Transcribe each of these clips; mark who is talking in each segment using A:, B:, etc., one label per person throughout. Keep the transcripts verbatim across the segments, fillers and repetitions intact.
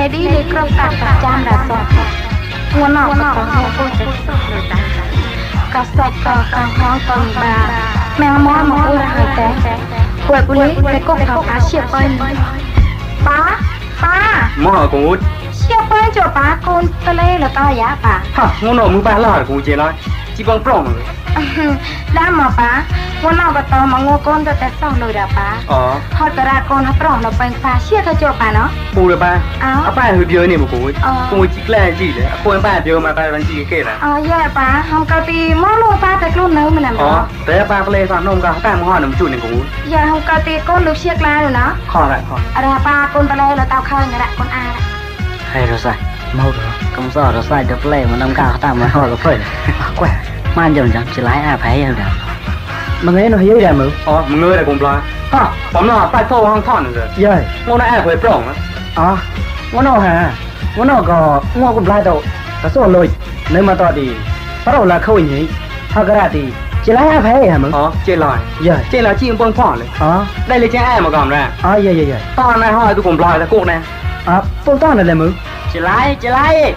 A: đi để cầm tạc tạc chạm đã sọt nguồn nọ có có hông cô sẽ sọt lời tạc có sọt có có hông tầng bà mẹ mò mà ôi là hơi té quậy bù lý để cô khảo phá xịa bên bá bá
B: mò cô út
A: xịa bên cho bá con tơ lê là to giá bà
B: hả nguồn nọ mưa ba lò cô chế nói chỉ bằng prong rồi
A: đã mà bá nguồn nọ có to mà ngô con cho té xong lời đã bá
B: ờ
A: họ tờ ra con nó prong nó bên phá xịa thôi cho bà nó
B: bù được ba
A: áo
B: à ba hơi bia này mà cô út cô út chỉ là gì đấy cô em ba bia mà ba đang gì cái là
A: ờ dạ bá không cao tì mó luôn ba tại luôn nữa mình làm
B: ờ thế ba cái lên sao nông cả ta mua hoa nấm chuột này cô út
A: dạ không cao tì con được xiết la rồi nó
B: khó lại khó
A: à ra ba con ta lê là tao khơi người đại con a đấy
C: hay rồi sai mau rồi không sợ rồi sai được lệ mà nông cao ta mà hỏi có phải quẻ man dần dần chỉ lái à phải rồi mà nghe nó hiếu ra mượn
B: ờ mà ngươi là cùng lo hả bấm là tay thô không thon rồi
C: rồi
B: ngô này ai phải prong á
C: ờ ngô nào hả ngô nào có ngô cũng lai đâu có số lôi nếu mà to thì bắt đầu là khâu nhỉ thôi cái ra thì chỉ lái à phải hả mượn
B: ờ trên lòi
C: rồi
B: trên là chim bông phỏ này
C: ờ
B: đây là trên ai mà còn ra
C: ờ dạ dạ dạ
B: to này hỏi tôi cùng lòi là cụ này
C: ờ phong to này là mượn
D: chỉ lái chỉ lái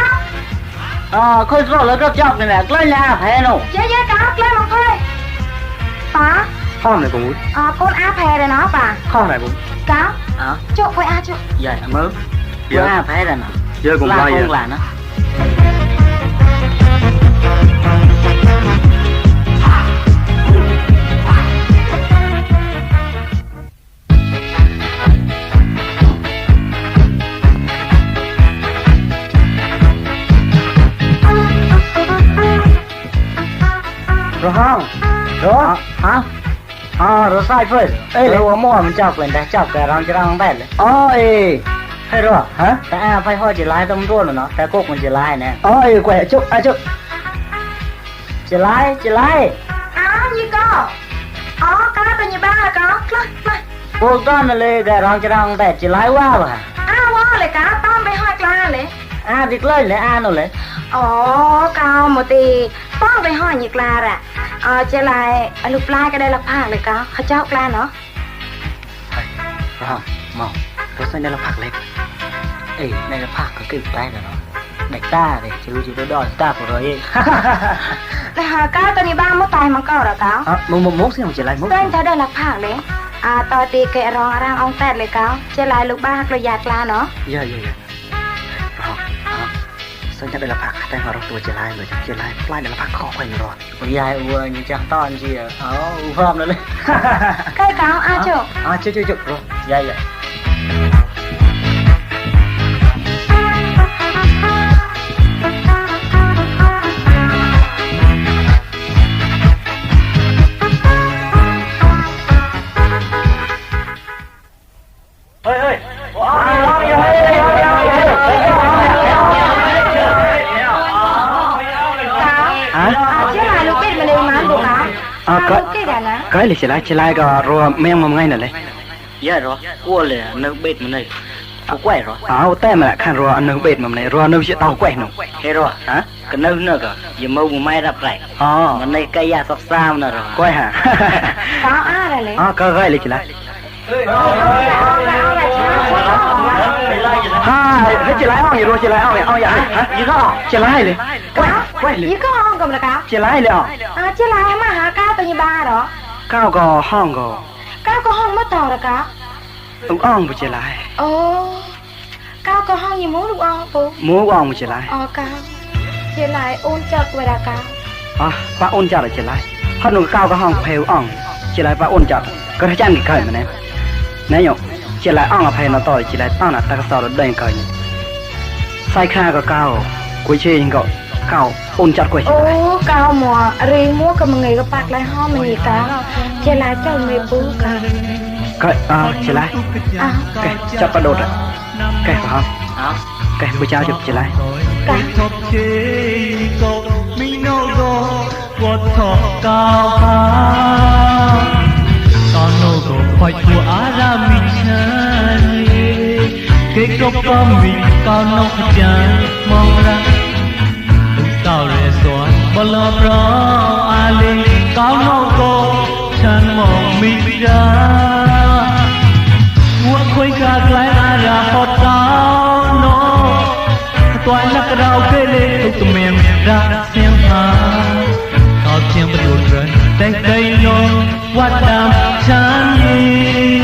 D: ờ khơi rồi là rất chọc này nè lấy nhà phải đâu
A: dạ dạ cá lên một thôi bá
B: thon này cũng
A: à con a phè rồi nó bà
B: kho này cũng
A: cá
D: ờ
A: chỗ với a chỗ
D: vậy mới bữa à phải rồi nè
B: giờ cùng
D: là
B: lòi
D: không là nó
C: rồi không rồi hả ờ rồi sai phơi ê rồi mua mình chọc lên đây chọc cái răng cái răng bẹt lên ôi hay rồi hả
D: แต่อาไฟห้อยchỉ lái tông luôn rồi nóแต่cục mình chỉ lái nè
C: ôi quẹt chút à chút
D: chỉ lái chỉ lái
A: à như co ờ cá bên như ba là có lên lên
D: cô con là lên cái răng cái răng bẹt chỉ lái qua mà
A: à wow lại cá tôm với hoa cla lấy
D: à việc lên lấy à nó lấy
A: ồ cao một tí tôm với hoa như cla à ờ chơi lại lục lai cái đây là phạcเลยcáเขาเจ้า cla nó
C: rồi mau rồi sang đây là phạc lên
D: ê đây là phạc có cái tay rồi nó đạch ta để chứ chứ nó đòi ta của rồi
A: là cá tao như ba mất tay mà có rồi cá
C: à một một mốt xem chỉ lại mốt
A: tên thấy đây là phạc lấy à tao thì kệ rong rang ông tẹt lấy cá chơi lại lục ba rồi giạt cla nó
C: dạ dạ dạ rồi sang đây là phạc tay vàoตัวchỉ lại rồi chỉ lại lại là phạc khó quay rồi
D: con dài u như chắc to anh chị ờ u phom nữa đấy
A: cái cá à chỗ
C: à chưa chưa chưa rồi
D: dạ dạ
B: ơi ơi
C: à cái cái lịch sử lại chỉ lại cái rồi mấy ông ngay này này
D: dạ rồi cua là nước bệt mà này có quẻ rồi
C: à tay mà lại khăn rồi ăn nước bệt mà này rồi nước sẽ tàu quẻ nó
D: thế rồi
C: hả
D: cái nước nữa cơ giờ mâu một mai đập lại
C: ờ
D: mà này cây da sọc sao nữa rồi
C: quẻ hả
A: có à là lấy
C: à cái cái lịch sử lại ha cái chỉ lại ông gì rồi chỉ lại ông vậy ông vậy hả gì đó chỉ lại liền
A: quá quay gì có hông cầm là cá
C: chỉ lại liền
A: à chỉ lại mà hả cá tao như ba đó
C: cao gò hong gò
A: cá có hông mất tàu là cá
C: ông ông bị chỉ lại
A: ồ cá có hông như muốn được ông bố
C: muốn ông bị chỉ lại
A: ờ cá chỉ lại ôn chợt vậy là cá
C: à ba ôn chợt là chỉ lại hơn nữa cao có hong phèo ông chỉ lại ba ôn chợt có thể chăn cái cởi mà nè nè nhộng chỉ lại ông ở phèo nó to chỉ lại tao là ta có sao được đầy cởi sai kha có cao cuối chơi gọi cao ôn chợt quay
A: ô cao mùa ri mua cái người có bạc lại ho mình gì cá chỉ lại cho người bú cá
C: cái à chỉ lại
A: à
C: cái chợt bắt đột rồi cái phải không
D: đó
C: cái bữa chào chụp chỉ lại
A: cá
E: cái cốc có mình cao nóc chân mong ra cao rẻ xóa bao lo pro ali cao nóc cô chân mong mình ra mua khối cả cái ai ra hot cao lắc rau kê lê tục miệng ra xem hà cao thiên bất đột rơi tay tay non quát đàm chán đi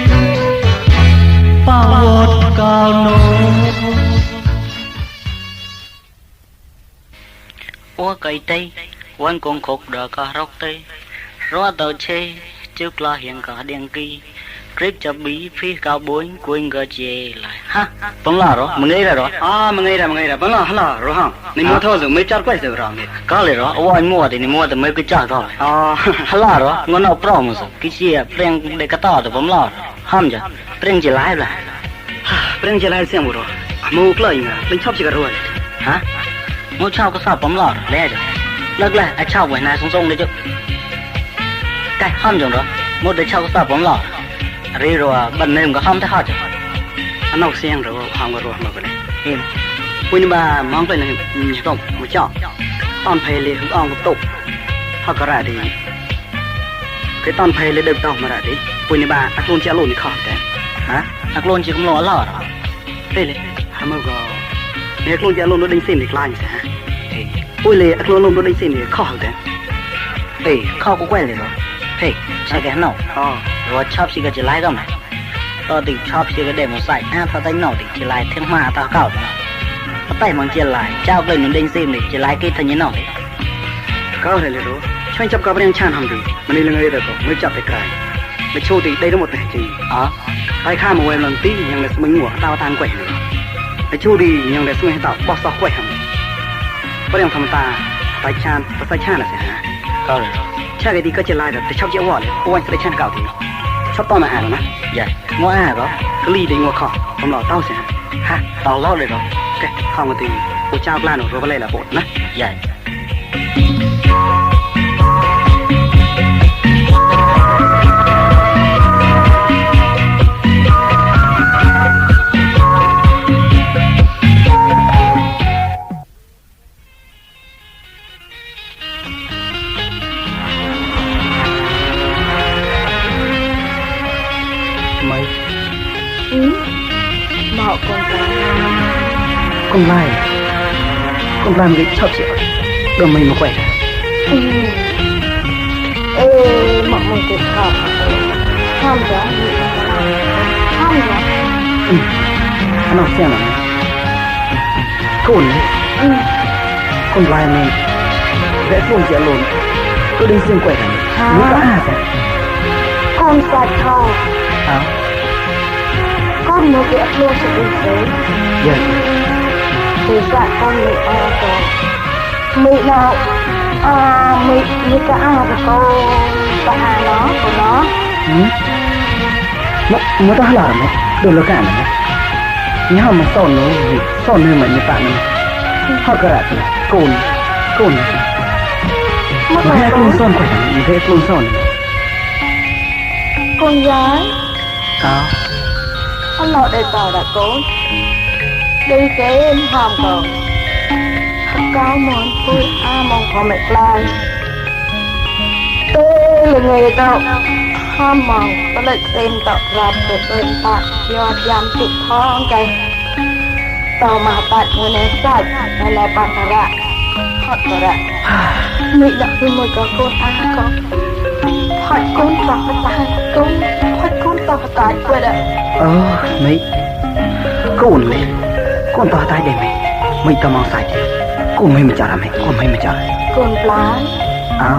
E: bao vọt cao nô
D: ua cây tây quan con cột đờ cả róc tây rót tờ chê trước lo hiện cả đèn kỳ clip cho bí phi cao bốn quên gờ chê lại ha bấm lò rồi mình nghĩ ra rồi
C: à mà ngay ra mà ngay ra bấm lò lò rồi hả nên mua thôi rồi mới chót quay rồi rồi
D: có liền rồi ôi anh mua thì mua thì mấy cái chợ thôi
C: à
D: lò rồi ngon nào pro mà cái gì preng để cái to thì bấm lò ham chứ preng chỉ lái là
C: preng chỉ lái xem rồi mua cái gì mình chót chỉ cái rồi
D: hả mua chao cái sao bấm lò lẽ rồi lắc lại ai chao buổi nay sung sung đấy chứ cái ham rồi đó mua để chao cái sao bấm lò rồi rồi bên này có ham thế hả chứ
C: anh học xem rồi ham cái rồi mà cái này
D: em
C: quên mà mong cái này chỉ có một chọ toàn phải lấy hướng ông tục họ có ra đi cái toàn phải lấy được đâu mà ra đi quên mà ác luôn chỉ luôn khỏi đấy
D: hả ác luôn chỉ cũng lo lò rồi
C: đây này ham mà nếu ác luôn chỉ luôn nó đánh xin được lại sao ôi lệ ác luôn luôn nó đánh xin được khỏi đấy
D: ê không có quen liền rồi hey sai cái nào
C: ờ
D: rồi chop xí cái chỉ lái không này tao thì chop xí cái để một sải à tao đánh nổ thì chỉ lái thêm mà tao cào rồi tao tay bằng chỉ lái trao lên những đinh sim thì chỉ lái cái thành như nào đấy
C: cao này là đó cho anh chấp cao bên chan hầm đi mà đi là người được mới chặt cái cái để show thì đây là một cái gì
D: ờ
C: tay khai một lần tí nhưng là mình ngủ tao tan quậy nữa để show đi nhưng là mình tạo bóc sọc quậy hầm có đang thầm ta tay chan và tay chan là gì hả
D: cao rồi
C: cha cái đi có chỉ lại được để chọc chéo vỏ này ôi anh sẽ chan cào thì chọc to mà hả rồi nè
D: dạ ngó à đó
C: cái ly đi ngồi khọ không lò tao sẽ
D: ha tao lo rồi rồi
C: cái không có tiền của cha plan rồi có lẽ là bột nè
D: dạ
C: mấy
A: ừ bỏ con ra
C: con lai con làm cái chọc chị đồ mình mà quậy
A: ừ ê mọi người tự học không rõ không rõ
C: ừ anh học xem nào con đấy
A: ừ
C: con lai mình vẽ phương chị luôn tôi đi xuyên quậy này nếu có à sao
A: con sạch thò
C: à
A: con muốn cái luôn sự bình tĩnh
C: dạ
A: thì dạ con bị à rồi mị nào à mị như cả à của cô bà hà nó của nó
C: ừ nó nó tao là mày đồ là cả mày nhớ mà son nó son nơi mà như bạn này họ cả là cồn cồn
A: mất
C: nó hay
A: rồi
C: cồn son quậy như thế cồn son
A: con gái
C: à
A: ông nội đây tao đã cố đi kế em hòm còn thật cao món vui a mong có mẹ lai tê là người tao hòm mong có lịch xem tao ra từ bên bạn do giam tụ thong cây tao mà bạn người này sạch hay là bạn ta ra hot ta ra mỹ đã khi môi có con a con hot con tao phải con hot con tao phải tại quên ạ
C: ờ mấy cồn này con to tay đây mày mày tao mau sạch con mày mà chả làm mày con mày mà chả
A: con lái
C: à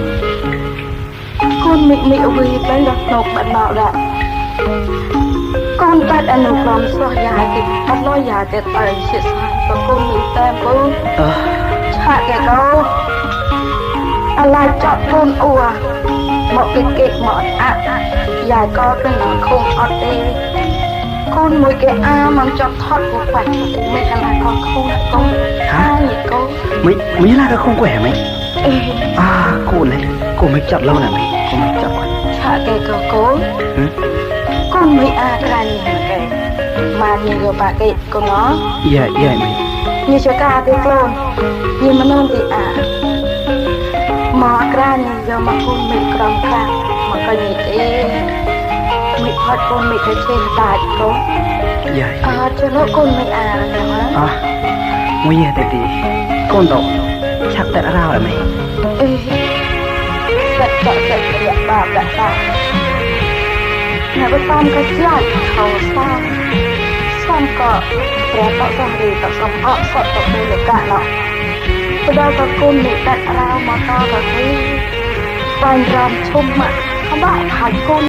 A: con mị mị vì tới đặt nộp bạn bảo đã con ta đã nộp làm sao dài thì bắt lo dài thì tài sẽ sai và con mị tem bố
C: ờ
A: hạ cái đâu ai chọn con ua một cái kịch mọt ạ dài co cái nó không ọt đi con mỗi cái a mang chọn thoát của phải thì mình là con không là con
C: hả
A: nhỉ con
C: mấy mấy là cái không khỏe mày
A: ê
C: à cô này cô mới chọn lâu nè mày cô mới chọn
A: hạ cái cờ cố
C: ừ?
A: con mấy a cái gì mà cái mà nhiều bà cái của nó
C: dạ dạ mày
A: như cho ca thì clone nhưng mà non thì à mà cái này giờ mà con mấy cầm ca mà cái gì thế mấy phát con mấy cái trên tài có
C: dạ
A: à cho nó con mấy à là hả
C: à nguy hiểm thế thì con tổ chắc tại ra rồi mày
A: ê giật giật giật giật bà giật bà nhà bên tam cái giật thầu sang sang cọ trẻ tạo sang gì tạo xong ọ sợ tạo đây là cả nọ tôi đâu có cung để đặt rau mà to và thấy vàng rằm chung mà không bạn thành cung